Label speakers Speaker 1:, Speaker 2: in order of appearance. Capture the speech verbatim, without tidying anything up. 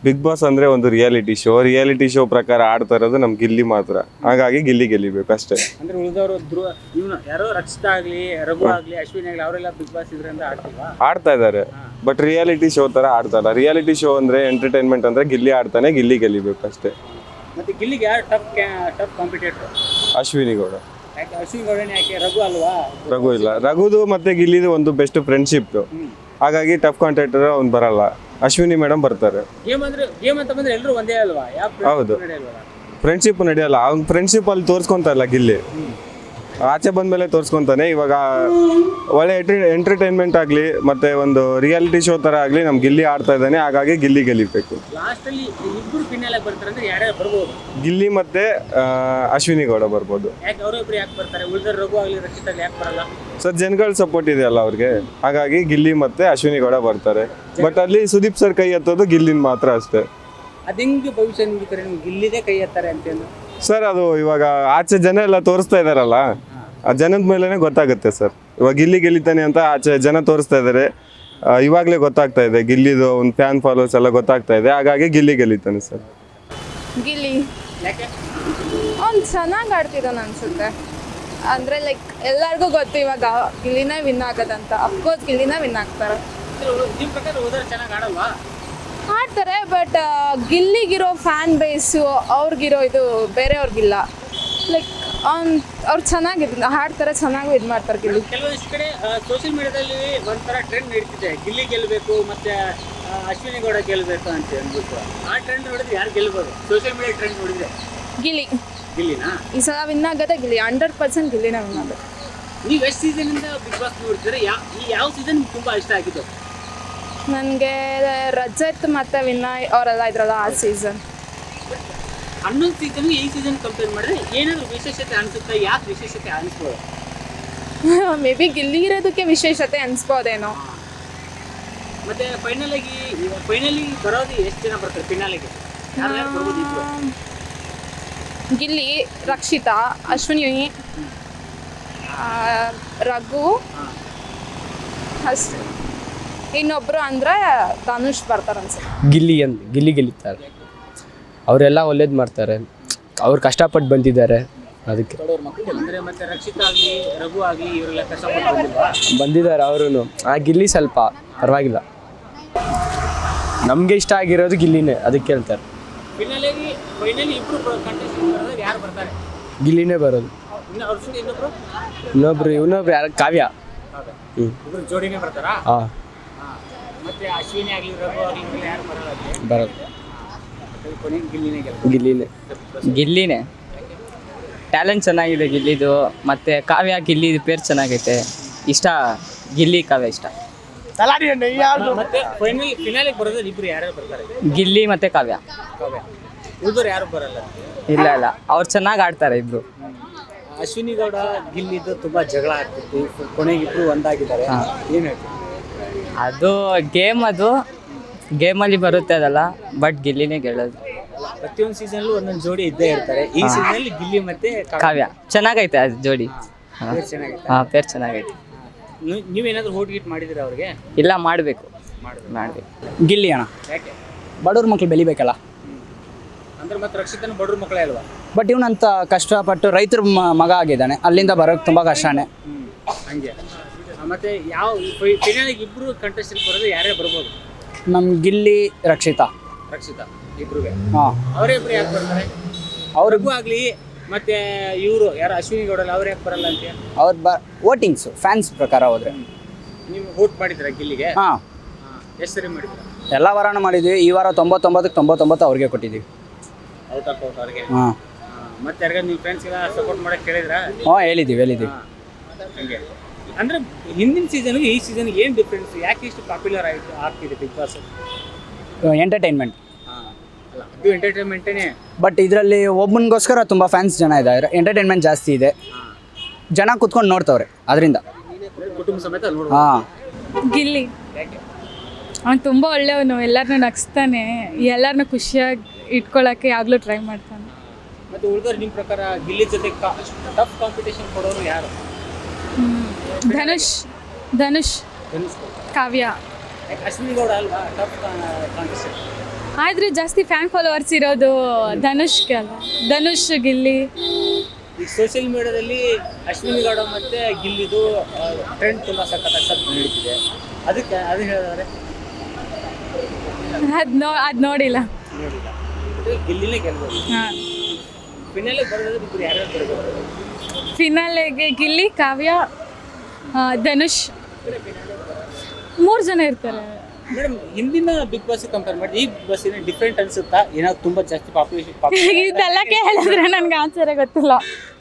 Speaker 1: Big boss ಅಂದರೆ ಒಂದು reality show. Reality show ಪ್ರಕಾರ ಆಡ್ತಾ ಇರೋದು ನಮ್ಮ ಗಿಲ್ಲಿ ಮಾತ್ರ. ಹಾಗಾಗಿ ಗಿಲ್ಲಿ ಗೆಲ್ಲಿಬೇಕು ಅಷ್ಟೇ.
Speaker 2: ಅಂದ್ರೆ ಉಳಿದವರು ಧ್ರುವ ಇವನು ಯಾರೋ ರಕ್ಷಿತಾ ಆಗಲಿ, ರಘು ಆಗಲಿ, ಅಶ್ವಿನಿ ಆಗಲಿ ಅವರೆಲ್ಲ ಬಿಗ್ ಬಾಸ್ ಇದರಿಂದ ಆಡ್ತಿಲ್ವಾ?
Speaker 1: ಆಡ್ತಾ ಇದ್ದಾರೆ, ಬಟ್ ರಿಯಾಲಿಟಿ ಶೋ ಥರ ಆಡ್ತಾಯಿಲ್ಲ. ರಿಯಾಲಿಟಿ ಶೋ ಅಂದರೆ ಎಂಟರ್ಟೈನ್ಮೆಂಟ್ ಅಂದರೆ ಗಿಲ್ಲಿ ಆಡ್ತಾನೆ, ಗಿಲ್ಲಿ ಗೆಲ್ಲಿಬೇಕು ಅಷ್ಟೇ.
Speaker 2: ಮತ್ತೆ ಗಿಲ್ಲಿಗೆ ಯಾರು tough tough competitor?
Speaker 1: Ashwini Gowda.
Speaker 2: ಯಾಕೆ ಅಶ್ವಿನಿ ಗೌಡನೇ ಯಾಕೆ? ರಘು ಅಲ್ವಾ?
Speaker 1: ರಘು ಇಲ್ಲ. ರಘುದು ಮತ್ತೆ ಗಿಲ್ಲಿದು ಒಂದು ಬೆಸ್ಟ್ ಫ್ರೆಂಡ್ಶಿಪ್, ಹಾಗಾಗಿ ಟಫ್ ಕಾಂಟ್ಯಾಕ್ಟರ್ ಅವ್ನು ಬರಲ್ಲ. ಅಶ್ವಿನಿ ಮೇಡಮ್ ಬರ್ತಾರೆ.
Speaker 2: ಗೇಮ್ ಅಂದ್ರೆ ಗೇಮ್ ಅಂತ ಬಂದ್ರೆ ಎಲ್ಲರೂ ಒಂದೇ ಅಲ್ವಾ?
Speaker 1: ಹೌದು, ಫ್ರೆಂಡ್ಶಿಪ್ ನಡೆಯಲ್ಲ. ಅವ್ನು ಫ್ರೆಂಡ್ಶಿಪ್ ಅಲ್ಲಿ ತೋರಿಸ್ಕೊಂತ ಇಲ್ಲ ಗಿಲ್ಲಿ, ಆಚೆ ಬಂದ್ಮೇಲೆ ತೋರಿಸ್ಕೊಂತಾನೆ. ಇವಾಗ ಒಳ್ಳೆ ಎಂಟರ್ಟೈನ್ಮೆಂಟ್ ಆಗಲಿ ಮತ್ತೆ ಒಂದು ರಿಯಾಲಿಟಿ ಶೋ ಥರ ಆಗಲಿ ನಮ್ಮ ಗಿಲ್ಲಿ ಆಡ್ತಾ ಇದ್ದಾನೆ, ಹಾಗಾಗಿ ಗಿಲ್ಲಿ ಗೆಲ್ಲಿಬೇಕು.
Speaker 2: ಲಾಸ್ಟಲ್ಲಿ ಇಬ್ಬರು ಫಿನಾಲ್ ಆಗಿ ಬರ್ತಾರೆ ಅಂದ್ರೆ ಯಾರ್ಯಾರು ಬರ್ಬೋದು?
Speaker 1: ಗಿಲ್ಲಿ ಮತ್ತೆ ಅಶ್ವಿನಿ ಗೌಡ ಬರ್ಬೋದು.
Speaker 2: ಯಾಕೆ ಅವರಿಬ್ರು ಯಾಕೆ ಬರ್ತಾರೆ? ಉಳಿದ ರಘು ಆಗಲಿ, ರಕ್ಷಿತಾ ಯಾಕೆ ಬರಲ್ಲ?
Speaker 1: ಸರ್ ಜನಗಳ ಸಪೋರ್ಟ್ ಇದೆಯಲ್ಲ ಅವ್ರಿಗೆ, ಹಾಗಾಗಿ ಗಿಲ್ಲಿ ಮತ್ತೆ ಅಶ್ವಿನಿ ಗೌಡ ಬರ್ತಾರೆ. ಬಟ್ ಅಲ್ಲಿ ಸುದೀಪ್ ಸರ್ ಕೈ ಎತ್ತೋದು ಗಿಲ್ಲಿನ ಮಾತ್ರ ಅಷ್ಟೇ.
Speaker 2: ಅದು ಹೆಂಗೆ ಭವಿಷ್ಯ ನಿಮ್ಗೆ ನಿಮ್ಗೆ ಗಿಲ್ಲಿದೇ ಕೈ ಎತ್ತಾರೆ ಅಂತೇನು
Speaker 1: ಸರ್? ಅದು ಇವಾಗ ಆಚೆ ಜನ ಎಲ್ಲ ತೋರಿಸ್ತಾ ಇದಾರಲ್ಲ, ಆ ಜನದ ಮೇಲೇ ಗೊತ್ತಾಗುತ್ತೆ ಸರ್. ಇವಾಗ ಗಿಲ್ಲಿ ಗೆಲ್ಲಿತಾನೆ ಅಂತ ಆಚೆ ಜನ ತೋರಿಸ್ತಾ ಇದ್ದಾರೆ, ಇವಾಗಲೇ ಗೊತ್ತಾಗ್ತಾ ಇದೆ. ಗಿಲ್ಲಿದು ಒಂದು ಫ್ಯಾನ್ ಫಾಲೋವರ್ಸ್ ಎಲ್ಲ ಗೊತ್ತಾಗ್ತಾ ಇದೆ, ಹಾಗಾಗಿ ಗಿಲ್ಲಿ ಗೆಲ್ಲಿತಾನೆ ಸರ್.
Speaker 3: ಗಿಲ್ಲಿ
Speaker 2: ಯಾಕೆ?
Speaker 3: ಅವ್ನು ಚೆನ್ನಾಗಿ ಆಡ್ತಿದ್ದಾನೆ ಅನ್ಸುತ್ತೆ. ಅಂದರೆ ಲೈಕ್ ಎಲ್ಲರಿಗೂ ಗೊತ್ತು ಇವಾಗ ಗಿಲ್ಲಿನೇ ವಿನ್ ಆಗೋದಂತ. ಅಫ್ಕೋರ್ಸ್ ಗಿಲ್ಲಿನೇ ವಿನ್ ಆಗ್ತಾರೆ.
Speaker 2: ನಿಮ್ಮ ಪ್ರಕಾರ ಹೋದ್ರೆ ಚೆನ್ನಾಗಿ ಆಡಲ್ವಾ?
Speaker 3: ಆಡ್ತಾರೆ, ಬಟ್ ಗಿಲ್ಲಿಗಿರೋ ಫ್ಯಾನ್ ಬೇಸು ಅವ್ರಿಗಿರೋ ಇದು ಬೇರೆಯವ್ರಿಗಿಲ್ಲ. ಲೈಕ್ ಅವ್ನು ಅವ್ರು ಚೆನ್ನಾಗಿ ಹಾಡ್ತಾರೆ, ಚೆನ್ನಾಗಿ ಇದು ಮಾಡ್ತಾರೆ ಗಿಲ್ಲಿ.
Speaker 2: ಕೆಲವೊಂದಿಷ್ಟು ಕಡೆ ಸೋಷಿಯಲ್ ಮೀಡಿಯಾದಲ್ಲಿ ಒಂಥರ ಟ್ರೆಂಡ್ ನಡೀತಿದೆ, ಗಿಲ್ಲಿ ಗೆಲ್ಲಬೇಕು ಮತ್ತೆ ಅಶ್ವಿನಿ ಗೌಡ ಗೆಲ್ಲಬೇಕು ಅಂತ ಅಂದ್ಬಿಟ್ಟು. ಆ ಟ್ರೆಂಡ್ ನೋಡಿದ್ರೆ ಯಾರು ಗೆಲ್ಬೋದು? ಸೋಷಿಯಲ್ ಮೀಡಿಯಾ ಟ್ರೆಂಡ್ ನೋಡಿದ್ರೆ
Speaker 3: ಗಿಲ್ಲಿ
Speaker 2: ಗಿಲ್ಲಿನಾ
Speaker 3: ಈ ಸಲ ವಿನ್ ಆಗೋದೇ ಗಿಲ್ಲಿ. ಹಂಡ್ರೆಡ್ ಪರ್ಸೆಂಟ್ ಗಿಲ್ಲಿನೇ ವಿನ್ ಆಗೋದು.
Speaker 2: ನೀವು ಎಷ್ಟು ಸೀಸನಿಂದ ಬಿಗ್ ಬಾಸ್ ನೋಡ್ತೀರಾ? ಯಾ ಈ ಯಾವ ಸೀಸನ್ ನಿಮ್ಗೆ ತುಂಬ ಇಷ್ಟ ಆಗಿದ್ದು?
Speaker 3: ನನಗೆ ರಜತ್ ಮತ್ತು ವಿನಯ್ ಅವರೆಲ್ಲ ಇದ್ರಲ್ಲ ಆ ಸೀಸನ್.
Speaker 2: ಹನ್ನೊಂದು ಸೀಸನ್ಗೆ ಈ ಸೀಸನ್ ಕಂಪೇರ್ ಮಾಡಿದ್ರೆ ಏನಾದರೂ ವಿಶೇಷತೆ ಅನಿಸುತ್ತೆ? ಯಾಕೆ ವಿಶೇಷತೆ ಅನಿಸ್ಬೋದು?
Speaker 3: ಮೇ ಬಿ ಗಿಲ್ಲಿ ಇರೋದಕ್ಕೆ ವಿಶೇಷತೆ ಅನಿಸ್ಬೋದೇನೋ.
Speaker 2: ಮತ್ತೆ ಫೈನಲ್ ಆಗಿ ಫೈನಲಿ ಬರೋದು ಎಷ್ಟು ಜನ ಬರ್ತಾರೆ ಫಿನಾಲಿಗೆ? ಯಾರು ಬರ್ಬೋದು ಇದ್ರು?
Speaker 3: ಗಿಲ್ಲಿ, ರಕ್ಷಿತಾ, ಅಶ್ವಿನಿ, ರಘು ಅಷ್ಟೇ. ಇನ್ನೊಬ್ರು ಅಂದರೆ ಧನುಷ್ ಬರ್ತಾರೆ ಅನ್ಸುತ್ತೆ.
Speaker 4: ಗಿಲ್ಲಿ ಅಂತ ಗಿಲ್ಲಿ ಗೆಲ್ಲುತ್ತಾರೆ. ಅವರೆಲ್ಲ ಒಳ್ಳೇದು ಮಾಡ್ತಾರೆ, ಅವ್ರು ಕಷ್ಟಪಟ್ಟು ಬಂದಿದ್ದಾರೆ ಅದಕ್ಕೆ.
Speaker 2: ಅಂದರೆ ಮತ್ತೆ ರಕ್ಷಿತಾ ಆಗಲಿ, ರಘು ಆಗಲಿ ಇವರೆಲ್ಲ ಕಷ್ಟಪಟ್ಟು ಬಂದಿಲ್ವಾ?
Speaker 4: ಬಂದಿದ್ದಾರೆ ಅವರು. ಆ ಗಿಲ್ಲಿ ಸ್ವಲ್ಪ ಪರವಾಗಿಲ್ಲ. ನಮಗೆ ಇಷ್ಟ ಆಗಿರೋದು ಗಿಲ್ಲಿನೇ, ಅದಕ್ಕೆ ಹೇಳ್ತಾರೆ.
Speaker 2: ಫಿನಾಲಿಗೆ ಫೈನಲಿ ಇಬ್ಬರು ಕಂಟೆಸ್ಟೆಂಟ್ ಬರೋದು ಯಾರು ಬರ್ತಾರೆ?
Speaker 4: ಗಿಲ್ಲಿನೇ ಬರೋದು.
Speaker 2: ಇನ್ನು ಅವ್ರ ಜೊತೆ ಇನ್ನೊಬ್ರು
Speaker 4: ಇನ್ನೊಬ್ರು ಇನ್ನೊಬ್ರು ಯಾರು? ಕಾವ್ಯ. ಹ್ಞೂ,
Speaker 2: ಇಬ್ಬರು ಜೋಡಿನೇ ಬರ್ತಾರಾ?
Speaker 4: ಹಾಂ.
Speaker 2: ಮತ್ತೆ ಅಶ್ವಿನಿ ಆಗಲಿ, ರಘು ಆಗಲಿ ಇವರೆಲ್ಲ ಯಾರು ಬರಲ್ಲ?
Speaker 4: ಬರೋದು
Speaker 2: ಕೊನೆಗೆ ಗಿಲ್ಲಿನೇ ಗೆಲ್ತಾರೆ.
Speaker 4: ಗಿಲ್ಲಿನೇ
Speaker 5: ಗಿಲ್ಲಿನೇ ಟ್ಯಾಲೆಂಟ್ ಚೆನ್ನಾಗಿದೆ ಗಿಲ್ಲಿದು. ಮತ್ತು ಕಾವ್ಯ ಗಿಲ್ಲಿದು ಪೇರ್ ಚೆನ್ನಾಗೈತೆ. ಇಷ್ಟ ಗಿಲ್ಲಿ, ಕಾವ್ಯ ಇಷ್ಟ.
Speaker 2: ಮತ್ತೆ ಫೈನಲ್ ಫಿನಾಲಿಗೆ ಬರೋದು ಇಬ್ಬರು ಯಾರ್ಯಾರು ಬರ್ತಾರೆ?
Speaker 5: ಗಿಲ್ಲಿ ಮತ್ತು ಕಾವ್ಯ.
Speaker 2: ಕಾವ್ಯ. ಉಳಿದವ್ರು ಯಾರು ಬರಲ್ಲ?
Speaker 5: ಇಲ್ಲ ಇಲ್ಲ, ಅವ್ರು ಚೆನ್ನಾಗಿ ಆಡ್ತಾರೆ ಇಬ್ಬರು.
Speaker 2: ಅಶ್ವಿನಿ ಗೌಡ ಗಿಲ್ಲಿದ್ದು ತುಂಬ ಜಗಳ ಆಗ್ತಿತ್ತು, ಕೊನೆಗೆ ಇಬ್ಬರು ಒಂದಾಗಿದ್ದಾರೆ. ಏನು ಹೇಳ್ತೀವಿ?
Speaker 5: ಅದು ಗೇಮ್, ಅದು ಗೇಮಲ್ಲಿ ಬರುತ್ತೆ ಅದಲ್ಲ, ಬಟ್ ಗಿಲ್ಲಿನೇ ಗೆಲ್ಲೋದು.
Speaker 2: ಪ್ರತಿಯೊಂದು ಸೀಸನ್ಲು ಒಂದೊಂದು ಜೋಡಿ ಇದ್ದೇ ಇರ್ತಾರೆ. ಈ ಸೀಸನಲ್ಲಿ ಗಿಲ್ಲಿ ಮತ್ತೆ
Speaker 5: ಕಾವ್ಯ ಚೆನ್ನಾಗೈತೆ ಅದು ಜೋಡಿ. ಹಾಂ
Speaker 2: ಚೆನ್ನಾಗೈತೆ.
Speaker 5: ಹಾಂ, ಪೇರ್ ಚೆನ್ನಾಗೈತೆ.
Speaker 2: ನೀವೇನಾದರೂ ಹೋಟ್ ಗೀಟ್ ಮಾಡಿದ್ದೀರಾ ಅವ್ರಿಗೆ?
Speaker 5: ಇಲ್ಲ, ಮಾಡಬೇಕು ಮಾಡಬೇಕು.
Speaker 6: ಗಿಲ್ಲಿ ಅಣ್ಣ,
Speaker 2: ಯಾಕೆ?
Speaker 6: ಬಡವ್ರ ಮಕ್ಳು ಬೆಳಿಬೇಕಲ್ಲ.
Speaker 2: ಅಂದ್ರೆ ಮತ್ತೆ ರಕ್ಷಿತನ ಬಡವ್ರ ಮಕ್ಕಳೇ ಅಲ್ವಾ?
Speaker 6: ಬಟ್ ಇವನಂತ ಕಷ್ಟಪಟ್ಟು ರೈತರ ಮಗ ಆಗಿದ್ದಾನೆ, ಅಲ್ಲಿಂದ ಬರೋಕ್ಕೆ ತುಂಬ ಕಷ್ಟನೇ.
Speaker 2: ಹಂಗೆ. ಮತ್ತೆ ಯಾವ ಫಿನಾಲಿಗೆ ಇಬ್ಬರು ಕಂಟೆಸ್ಟೆಂಟ್ ಬರೋದು ಯಾರೇ ಬರ್ಬೋದು?
Speaker 6: ನಮ್ಮ ಗಿಲ್ಲಿ, ರಕ್ಷಿತಾ.
Speaker 2: ರಕ್ಷಿತಾ ಇಬ್ರಿಗೆ.
Speaker 6: ಹಾಂ,
Speaker 2: ಅವರೇ ಇಬ್ರು ಯಾಕೆ ಬರ್ತಾರೆ?
Speaker 6: ಅವ್ರಿಗೂ
Speaker 2: ಅವ್ರಿಗೂ ಆಗಲಿ ಮತ್ತೆ ಇವರು ಯಾರು ಅಶ್ವಿನಿ ಗೌಡಲ್ಲ ಅವ್ರು ಯಾಕೆ ಬರಲ್ಲ ಅಂತ?
Speaker 6: ಅವ್ರ ಬ ವೋಟಿಂಗ್ಸು ಫ್ಯಾನ್ಸ್ ಪ್ರಕಾರ ಹೋದರೆ.
Speaker 2: ನೀವು ವೋಟ್ ಮಾಡಿದ್ದೀರಾ ಗಿಲ್ಲಿಗೆ?
Speaker 6: ಹಾಂ,
Speaker 2: ಎಷ್ಟು ಸರಿ ಮಾಡಿದ್ದೀರಾ?
Speaker 6: ಎಲ್ಲ ವಾರನೂ ಮಾಡಿದ್ವಿ. ಈ ವಾರ ತೊಂಬತ್ತೊಂಬತ್ತಕ್ಕೆ ತೊಂಬತ್ತೊಂಬತ್ತು ಅವ್ರಿಗೆ ಕೊಟ್ಟಿದ್ದೀವಿ.
Speaker 2: ಔಟ್ ಆಫ್ ಔಟ್ ಅವ್ರಿಗೆ.
Speaker 6: ಹಾಂ,
Speaker 2: ಮತ್ತೆ ಯಾರಿಗಾದ್ರು ನಿಮ್ಮ ಫ್ರೆಂಡ್ಸ್ಗೆಲ್ಲ ಸಪೋರ್ಟ್ ಮಾಡಕ್ಕೆ ಕೇಳಿದ್ರಾ?
Speaker 6: ಹಾಂ, ಹೇಳಿದ್ದೀವಿ ಹೇಳಿದ್ದೀವಿ
Speaker 2: ಹಂಗೆ. ಅಂದರೆ ಹಿಂದಿನ ಸೀಸನ್ಗೆ ಈ ಸೀಸನ್ಗೆ ಏನು ಡಿಫ್ರೆನ್ಸ್? ಯಾಕೆ ಇಷ್ಟು ಪಾಪ್ಯುಲರ್ ಆಯಿತು ಆಗ್ತಿದೆ ಬಿಗ್ ಬಾಸ್?
Speaker 6: ಎಂಟರ್ಟೈನ್ಮೆಂಟ್.
Speaker 2: ಹಾಂ, ಅಲ್ಲ ಇದು ಎಂಟರ್ಟೈನ್ಮೆಂಟೇ.
Speaker 6: ಬಟ್ ಇದರಲ್ಲಿ ಒಬ್ಬನಿಗೋಸ್ಕರ ತುಂಬ ಫ್ಯಾನ್ಸ್ ಜನ ಇದ್ದಾರೆ, ಎಂಟರ್ಟೈನ್ಮೆಂಟ್ ಜಾಸ್ತಿ ಇದೆ, ಜನ ಕೂತ್ಕೊಂಡು ನೋಡ್ತವ್ರೆ ಅದರಿಂದ.
Speaker 2: ಕುಟುಂಬ ಸಮೇತ ನೋಡ್ಬೋದು.
Speaker 6: ಹಾಂ,
Speaker 3: ಗಿಲ್ಲಿ
Speaker 2: ಯಾಕೆ?
Speaker 3: ಅವ್ನು ತುಂಬ ಒಳ್ಳೆಯವನು, ಎಲ್ಲರನ್ನೂ ನಗಿಸ್ತಾನೆ, ಎಲ್ಲರನ್ನೂ ಖುಷಿಯಾಗಿ ಇಟ್ಕೊಳ್ಳೋಕ್ಕೆ ಯಾವಾಗಲೂ ಟ್ರೈ ಮಾಡ್ತಾನೆ.
Speaker 2: ಮತ್ತು ಉಳಿದವ್ರು ನಿಮ್ಮ ಪ್ರಕಾರ ಗಿಲ್ಲಿ ಜೊತೆ ಟಫ್ ಕಾಂಪಿಟೇಷನ್ ಕೊಡೋರು ಯಾರು?
Speaker 3: ಧನುಷ್ ಧನುಷ್
Speaker 2: ಧನುಷ್.
Speaker 3: ಕಾವ್ಯ.
Speaker 2: ಯಾಕೆ ಅಶ್ವಿನಿ ಗೌಡ ಅಲ್ವಾ ಟಫ್ ಕಾಂಟೆಸ್ಟೆಂಟ್?
Speaker 7: ಆದರೆ ಜಾಸ್ತಿ ಫ್ಯಾನ್ ಫಾಲೋವರ್ಸ್ ಇರೋದು ಧನುಷ್ಗೆ ಅಲ್ಲ, ಧನುಷ್ ಗಿಲ್ಲಿ.
Speaker 2: ಈಗ ಸೋಷಿಯಲ್ ಮೀಡಿಯಾದಲ್ಲಿ ಅಶ್ವಿನಿ ಗೌಡ ಮತ್ತೆ ಗಿಲ್ಲಿದು ಟ್ರೆಂಡ್ ತುಂಬ ಸಖತ್ ನಡೀತಿದೆ, ಅದಕ್ಕೆ ಅದು ಹೇಳಿದ್ರೆ
Speaker 7: ಅದು ನೋ ಅದು ನೋಡಿಲ್ಲ.
Speaker 2: ನೋಡಿಲ್ಲ, ಇದು ಗಿಲ್ಲಿನೇ ಗೆಲ್ಬೋದು.
Speaker 7: ಹಾಂ,
Speaker 2: ಫಿನಾಲೆ ಬರೋದಾದ್ರೆ ಇಬ್ಬರು ಯಾರ್ಯಾರು ಬರ್ಬೋದು?
Speaker 7: ಫಿನಾಲೆಗೆ ಗಿಲ್ಲಿ, ಕಾವ್ಯ, ಆ, ಧನುಷ್, ಮೂರು ಜನ ಇರ್ತಾರೆ.
Speaker 2: ಮೇಡಮ್, ಹಿಂದಿನ ಬಿಗ್ ಬಾಸ್ ಕಂಪೇರ್ ಮಾಡಿ ಈ ಬಿಗ್ ಬಾಸ್ ಏನೋ ಡಿಫ್ರೆಂಟ್ ಅನ್ಸುತ್ತಾ? ಏನಾದ್ರು ತುಂಬಾ ಜಾಸ್ತಿ ಪಾಪ್ಯುಲೇಷನ್
Speaker 7: ಇದೆಲ್ಲ ಕೇಳಿದ್ರೆ ನನಗೆ ಆನ್ಸರೇ ಗೊತ್ತಿಲ್ಲ.